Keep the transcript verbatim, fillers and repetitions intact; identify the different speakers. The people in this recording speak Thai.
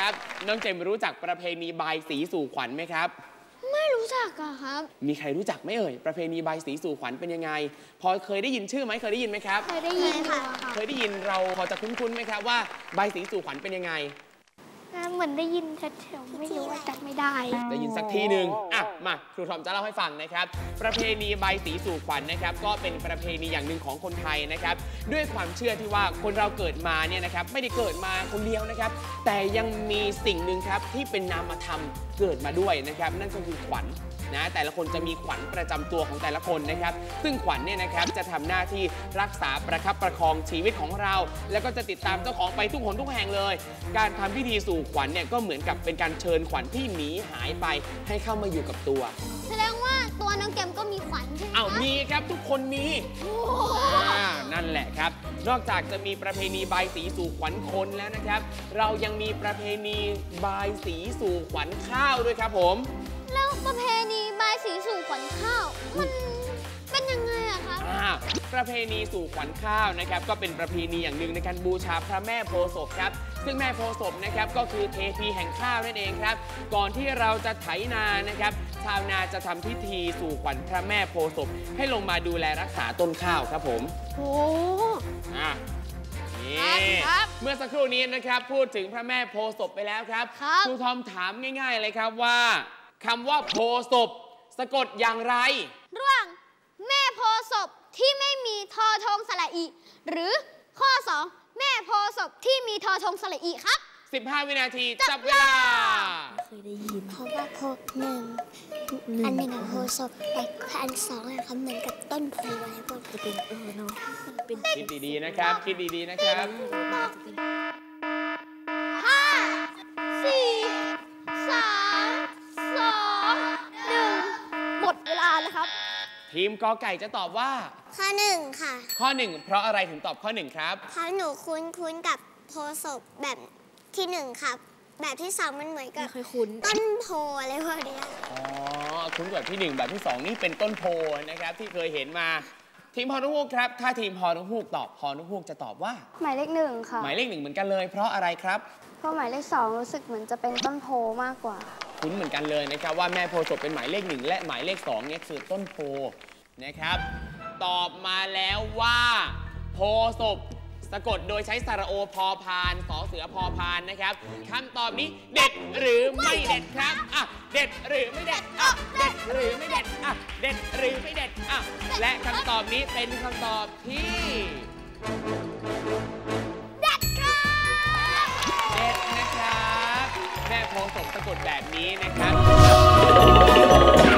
Speaker 1: ครับน้องเจมรู้จักประเพณีบายสีสู่ขวัญไหมครับ
Speaker 2: ไม่รู้จักอะครับ
Speaker 1: มีใครรู้จักไหมเอ่ยประเพณีบายสีสู่ขวัญเป็นยังไงพอเคยได้ยินชื่อไหมเคยได้ยินไหมครับ
Speaker 2: เคยได้ยินค่ะ
Speaker 1: เคยได้ยินเราพอจะคุ้นๆไหมครับว่าบายสีสู่ขวัญเป็นยังไง
Speaker 2: เหมือนได้ยินชัดเจนไม่รู้ว่าจำไม่ได้
Speaker 1: ได้ยินสักทีหนึ่งอ่ะมาครูทอมจะเล่าให้ฟังนะครับประเพณีบายสีสู่ขวัญนะครับก็เป็นประเพณีอย่างหนึ่งของคนไทยนะครับด้วยความเชื่อที่ว่าคนเราเกิดมาเนี่ยนะครับไม่ได้เกิดมาคนเดียวนะครับแต่ยังมีสิ่งหนึ่งครับที่เป็นนามธรรมเกิดมาด้วยนะครับนั่นก็คือขวัญนะแต่ละคนจะมีขวัญประจำตัวของแต่ละคนนะครับซึ่งขวัญเนี่ยนะครับจะทำหน้าที่รักษาประคับประคองชีวิตของเราแล้วก็จะติดตามเจ้าของไปทุกหนทุกแห่งเลยการทำพิธีสู่ขวัญเนี่ยก็เหมือนกับเป็นการเชิญขวัญที่หนีหายไปให้เข้ามาอยู่กับตัว
Speaker 2: แสดงว่าตัวน้องเกมก็มีขวัญใช่ไหม
Speaker 1: อ้าวมีครับทุกคนมีอ่านั่นแหละครับนอกจากจะมีประเพณีบายสีสู่ขวัญคนแล้วนะครับเรายังมีประเพณีบายสีสู่ขวัญข้าวด้วยครับผม
Speaker 2: แล้วประเพณีบายสีสู่ขวัญข้าวมันเป็นยังไงอะครับ
Speaker 1: ประเพณีสู่ขวัญข้าวนะครับก็เป็นประเพณีอย่างหนึ่งในการบูชาพระแม่โพธิ์ศพครับซึ่งแม่โพธิ์ศพนะครับก็คือเทพีแห่งข้าวนั่นเองครับก่อนที่เราจะไถนานะครับชาวนาจะทำพิธีสู่ขวัญพระแม่โพธิ์ศพให้ลงมาดูแลรักษาต้นข้าวครับผม
Speaker 2: โอ้
Speaker 1: อ่ะนี่เมื่อสักครู่นี้นะครับพูดถึงพระแม่โพธิ์ศพไปแล้วครับครูทอมถามง่ายๆเลยครับว่าคำว่าโพธิ์ศพสะกดอย่างไร
Speaker 2: ร่วงแม่โพธิ์ศพที่ไม่มีทอทงสระอีหรือข้อสองแม่โพธิ์ศพที่มีทอทงสระอีครับ
Speaker 1: สิบห้าวินาทีจับเวลา
Speaker 3: เคยได้ยิน
Speaker 4: เพราะว่าโพหนึ่งอันหนึ่งกับโพศพแต่อันสองอะครับเหมือนกับต้นโพอะไรพวก
Speaker 3: จะเป็นเออเนาะ
Speaker 1: คิดดีๆนะครับคิดดีๆนะครับ
Speaker 2: ห้าสี่สามสองหนึ่งหมดเวลาแล้วครับ
Speaker 1: ทีมกอไก่จะตอบว่า
Speaker 4: ข้อหนึ่งค่ะ
Speaker 1: ข้อหนึ่งเพราะอะไรถึงตอบข้อหนึ่งครับ
Speaker 4: เพราะหนูคุ้นคุ้นกับโพศพแบบที่หนึ่งครับแบบที่สองมันเหมือนกับต้นโพอะไรพวกนี้
Speaker 1: อ๋อคุ้นแบบที่หนึ่งแบบที่สองนี่เป็นต้นโพนะครับที่เคยเห็นมาทีมพอนุฮูกครับถ้าทีมพอนุฮูกตอบพอนุฮูกจะตอบว่า
Speaker 5: หมายเลขหนึ่งค่ะ
Speaker 1: หมายเลขหนึ่งเหมือนกันเลยเพราะอะไรครับ
Speaker 5: เพราะหมายเลขสองรู้สึกเหมือนจะเป็นต้นโพมากกว่า
Speaker 1: คุ้นเหมือนกันเลยนะครับว่าแม่โพธิ์ศพเป็นหมายเลขหนึ่งและหมายเลขสองเนี่ยคือต้นโพนะครับตอบมาแล้วว่าโพศพสะกดโดยใช้สระโอพอพานสอเสือพอพานนะครับคำตอบนี้เด็ดหรือไม่เด็ดครับอ่ะเด็ดหรือไม่เด็ดอ่ะเด็ดหรือไม่เด็ดอ่ะเด็ดหรือไม่เด็ดอ่ะและคำตอบนี้เป็นคำตอบที่
Speaker 2: เด็ดครับ
Speaker 1: เด็ดนะครับแม่โพธิ์ศพสะกดแบบนี้นะครับ